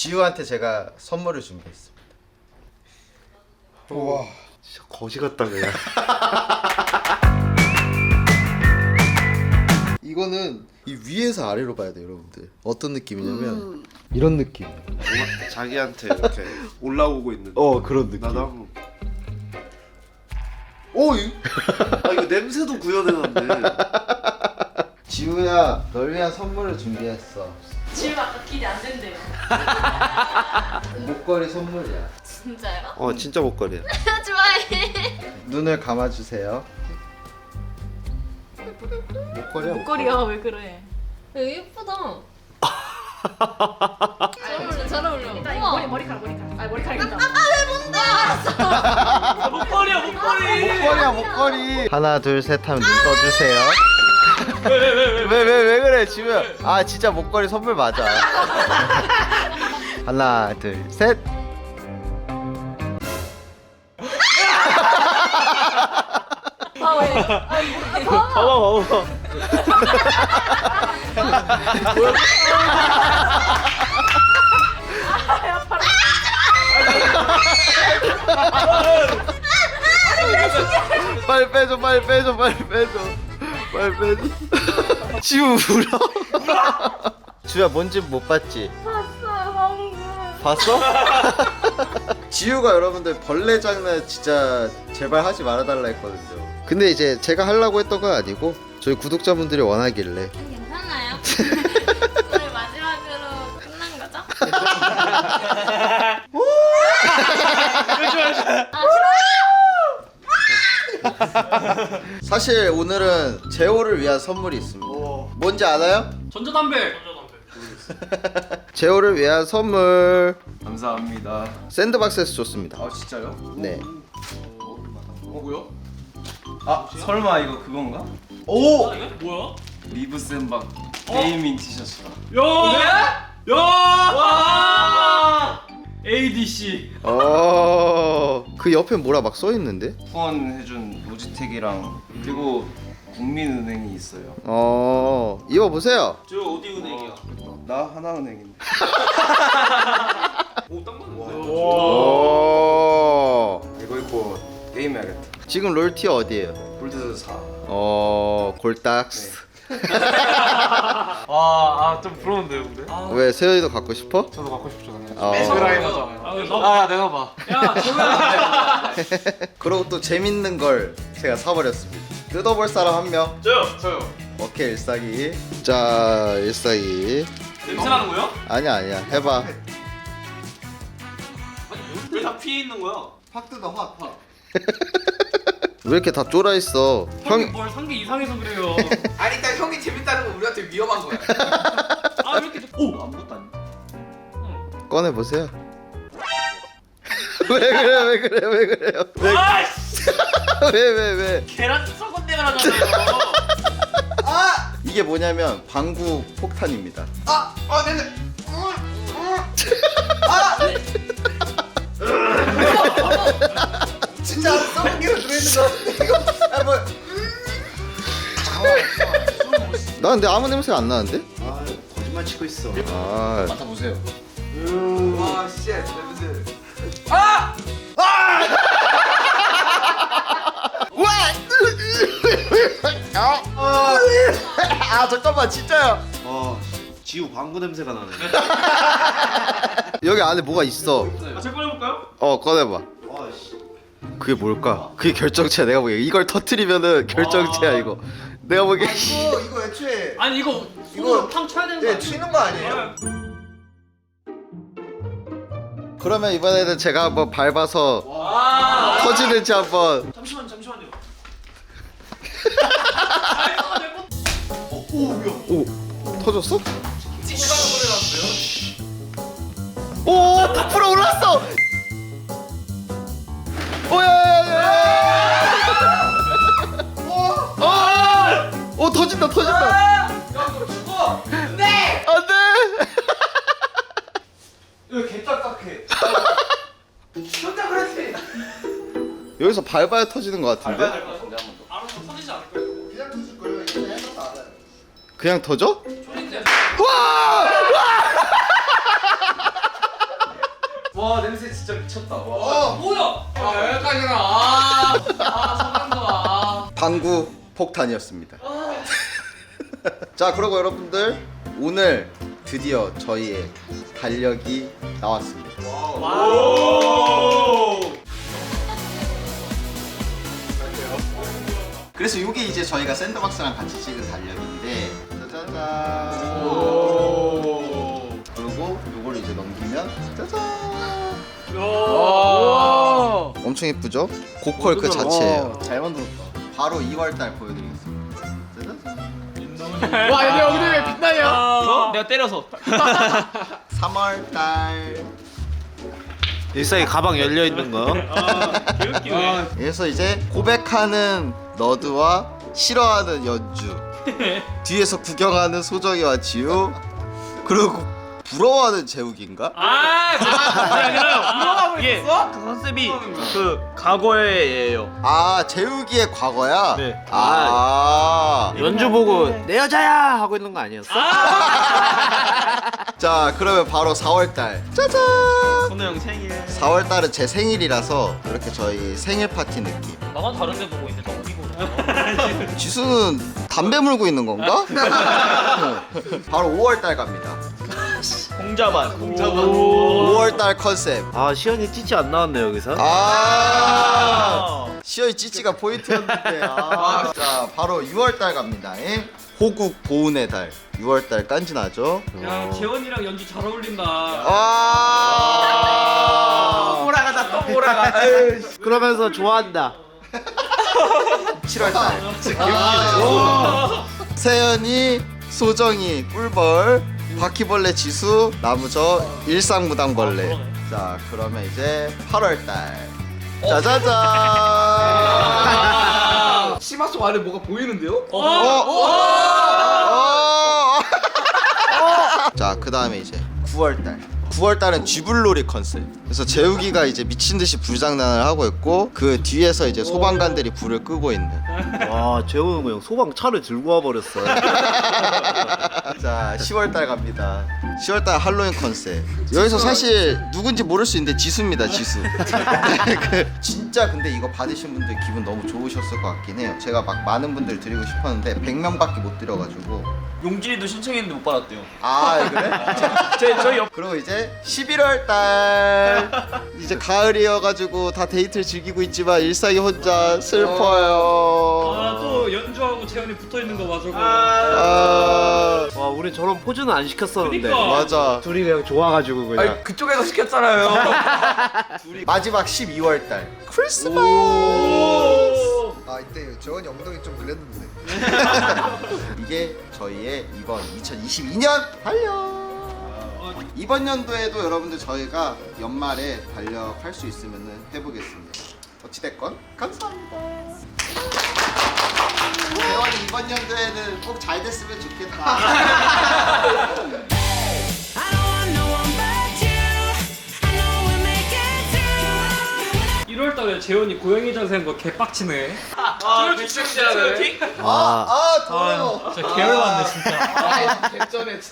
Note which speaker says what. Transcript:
Speaker 1: 지우한테 제가 선물을 준비했습니다.
Speaker 2: 우와 진짜 거지 같다 그냥. 이거는 이 위에서 아래로 봐야 돼요 여러분들. 어떤 느낌이냐면 이런 느낌.
Speaker 3: 자기한테 이렇게 올라오고 있는.
Speaker 2: 그런 느낌.
Speaker 3: 나도 한번. 오, 이거 냄새도 구현해놨네.
Speaker 1: 지우야, 널 위한 선물을 준비했어.
Speaker 4: 지금 아까 기대 안 된대요.
Speaker 1: 목걸이 선물이야.
Speaker 4: 진짜요?
Speaker 3: 진짜 목걸이야.
Speaker 4: 좋아해.
Speaker 1: 눈을 감아주세요.
Speaker 2: 목걸이야.
Speaker 4: 목걸이야 왜 그래? 예쁘다. 잘 어울려 잘 어울려. 일단 이거 머리카락. 아 머리카락이다. 아왜 뭔데? 알았어. 목걸이야 목걸이.
Speaker 1: 목걸이야, 목걸이. 하나, 둘, 셋 하면 눈 떠주세요. 왜 그래, 지우야? 아, 진짜 목걸이 선물 맞아. 하나, 둘, 셋.
Speaker 4: 아 왜?
Speaker 3: 봐봐.
Speaker 1: 빨리 빼줘. 지우 울어. 지우야, 뭔지 못 봤지?
Speaker 4: 봤어요 방금.
Speaker 1: 봤어? 지우가 여러분들 벌레 장난 진짜 제발 하지 말아달라 했거든요. 근데 이제 제가 하려고 했던 건 아니고 저희 구독자분들이 원하길래.
Speaker 4: 괜찮아요? 오늘 마지막으로 끝난 거죠?
Speaker 1: 사실 오늘은 재호를 위한 선물이 있습니다. 뭔지 알아요?
Speaker 5: 전자담배.
Speaker 1: 재호를 위한 선물.
Speaker 3: 감사합니다.
Speaker 1: 샌드박스에서 줬습니다.
Speaker 3: 진짜요?
Speaker 1: 네.
Speaker 5: 뭐야?
Speaker 3: 설마 이거 그건가?
Speaker 5: 오! 이거 뭐야?
Speaker 3: 리브 샌박 게이밍 티셔츠다.
Speaker 5: 야! 야! 와! ADC.
Speaker 1: 그 옆에 뭐라 막 써 있는데?
Speaker 3: 후원해준 로지텍이랑 그리고 국민은행이 있어요.
Speaker 1: 입어 보세요.
Speaker 5: 저 어디 은행이야?
Speaker 3: 나 하나은행인데.
Speaker 5: 오, 딱 맞는데.
Speaker 3: 이거 입고 게임해야겠다.
Speaker 1: 지금 롤티어 어디에요?
Speaker 3: 골드 4.
Speaker 1: 골딱스.
Speaker 5: 좀 부러운데요, 근데?
Speaker 1: 왜 세연이도 갖고 싶어?
Speaker 5: 저도 갖고 싶죠, 그냥.
Speaker 1: 어.
Speaker 5: 야, 내놔봐. 야, 저거야.
Speaker 1: 그리고 또 재밌는 걸 제가 사버렸습니다. 뜯어볼 사람 한 명.
Speaker 5: 저요.
Speaker 1: 오케이, 일사기. 자, 일사기.
Speaker 5: 냄새 나는 거야?
Speaker 1: 아니야, 해봐.
Speaker 5: 왜 다 피해 있는 거야?
Speaker 3: 확 뜯어 확.
Speaker 1: 왜 이렇게 다 쫄아 있어?
Speaker 5: 형이
Speaker 1: 형,
Speaker 5: 뭘 산 게 이상해서 그래요.
Speaker 6: 아니 일단 형이 재밌다는 건 우리한테 위험한 거야.
Speaker 5: 아, 왜 이렇게 오!
Speaker 3: 아무것도 아니야.
Speaker 1: 꺼내 보세요. 왜 그래요?
Speaker 5: 아이씨!
Speaker 1: 왜?
Speaker 5: 계란 썩은 데가 나잖아요.
Speaker 1: 이게 뭐냐면 방구 폭탄입니다.
Speaker 6: 네네. 진짜 썩은 게 들어있는 거 같은데 이거. 뭐.
Speaker 1: 나 근데 아무 냄새가 안 나는데?
Speaker 3: 거짓말 치고 있어.
Speaker 1: 맡아보세요.
Speaker 6: 와 씨. 냄새.
Speaker 1: 잠깐만, 진짜야.
Speaker 3: 지우 방구 냄새가 나네.
Speaker 1: 여기 안에 뭐가 있어.
Speaker 5: 제 꺼내볼까요?
Speaker 1: 꺼내봐. 그게 뭘까? 그게 결정체야. 내가 보기에 이걸 터트리면은 결정체야 이거. 내가 보기에.
Speaker 6: 이거 애초에
Speaker 5: 아니, 이거
Speaker 6: 이거-
Speaker 5: 팡 쳐야 되는 거 아니야?
Speaker 6: 튀는 거 아니에요?
Speaker 1: 그러면 이번에는 제가 한번 밟아서 터지는지 한번.
Speaker 5: 잠시만요.
Speaker 1: 오, 터졌어? 오, 부풀어 올랐어. 오야야야. 오, 터진다.
Speaker 6: 야너 죽어. 네.
Speaker 1: 안돼.
Speaker 6: 이거 개딱딱해. 진짜 그렇지.
Speaker 1: 여기서 밟아야 터지는 것 같은데?
Speaker 5: 알아서 터지지 않을 거예요.
Speaker 6: 그냥 터질 거예요. 이거 해서도 알아요.
Speaker 1: 그냥 터져?
Speaker 5: 초딩 때.
Speaker 1: 와!
Speaker 6: 와 냄새 진짜 미쳤다. 와.
Speaker 5: 뭐야?
Speaker 6: 아 여기까지나. 성난다.
Speaker 1: 방구 폭탄이었습니다. 자, 그리고 여러분들 오늘 드디어 저희의 달력이 나왔습니다. 그래서 이게 이제 저희가 샌드박스랑 같이 찍은 달력인데, 짜자잔. 그리고 이걸 이제 넘기면 짜잔. 엄청 예쁘죠? 고퀄 그 자체예요.
Speaker 2: 잘 만들었다.
Speaker 1: 바로 2월달 보여드리겠습니다. 짜잔.
Speaker 6: 와 얘네 여기는 왜 빛나냐?
Speaker 5: 내가 때려서.
Speaker 1: 3월달.
Speaker 3: 일상에 가방 열려 있는 거.
Speaker 5: 개웃기네.
Speaker 1: 그래서 이제 고백하는 너드와 싫어하는 연주, 뒤에서 구경하는 소정이와 지우, 그리고 부러워하는 재욱인가?
Speaker 5: 그게 아니라요. 이게 그 컨셉이 그 과거예요.
Speaker 1: 아, 재욱이의 과거야?
Speaker 3: 네.
Speaker 1: 아.
Speaker 3: 연주 보고 내 여자야 하고 있는 거 아니었어?
Speaker 1: 자, 그러면 바로 4월달. 짜잔.
Speaker 5: 선우 형 생일.
Speaker 1: 4월달은 제 생일이라서 이렇게 저희 생일 파티 느낌.
Speaker 5: 나만 다른데 보고 있는데 너 어디고?
Speaker 1: 지수는 담배 물고 있는 건가? 바로 5월달 갑니다.
Speaker 5: 공자만.
Speaker 1: 5월달 컨셉.
Speaker 3: 아 시연이 찌찌 안 나왔네 여기서.
Speaker 1: 시어이 찌찌가 포인트였는데. 자, 바로 6월달 갑니다. 호국 보은의 달. 6월달 깐지나죠?
Speaker 5: 야 재원이랑 연주 잘 어울린다.
Speaker 6: 오라가다 또 오라가.
Speaker 3: 그러면서 좋아한다.
Speaker 1: 7월달. 세연이, 소정이, 꿀벌, 바퀴벌레 지수, 나무저, 일상무당벌레. 자, 그러면 이제 8월달. 짜자잔.
Speaker 6: 치마 속 안에 뭐가 보이는데요?
Speaker 1: 자, 그 다음에 이제 9월달. 9월달은 쥐불놀이 컨셉. 그래서 재욱이가 이제 미친 듯이 불장난을 하고 있고, 그 뒤에서 이제 소방관들이 불을 끄고 있는.
Speaker 3: 와 재훈 형 소방 차를 들고 와 버렸어.
Speaker 1: 자, 10월달 갑니다. 10월달 할로윈 컨셉. 여기서 사실 누군지 모를 수 있는데 지수입니다, 지수. 진짜 근데 이거 받으신 분들 기분 너무 좋으셨을 것 같긴 해요. 제가 막 많은 분들 드리고 싶었는데 100명밖에 못 드려가지고.
Speaker 5: 용진이도 신청했는데 못 받았대요.
Speaker 1: 아, 그래?
Speaker 5: 저희 옆.
Speaker 1: 그리고 이제 11월달. 이제 가을이어가지고 다 데이트를 즐기고 있지만 일상이 혼자 슬퍼요.
Speaker 5: 또 연주하고 재원이 붙어 있는 거 맞아.
Speaker 3: 와 우리 저런 포즈는 안 시켰었는데.
Speaker 5: 그러니까.
Speaker 1: 맞아.
Speaker 3: 둘이 그냥 좋아가지고 그냥.
Speaker 6: 아니 그쪽에서 시켰잖아요.
Speaker 1: 마지막 12월달. 크리스마스.
Speaker 2: 아 이때 재원이 엉덩이 좀 그랬는데.
Speaker 1: 이게 저희의 이번 2022년 달력. 이번 연도에도 여러분들 저희가 연말에 달력할 수 있으면 해보겠습니다. 어찌됐건 감사합니다. 대원이 이번 연도에는 꼭 잘 됐으면 좋겠다.
Speaker 5: 1월달에 재원이 고양이 자세한 거 개빡치네.
Speaker 6: 섹시하네.
Speaker 1: 더워요.
Speaker 5: 진짜 계열받네 진짜.
Speaker 6: 개전에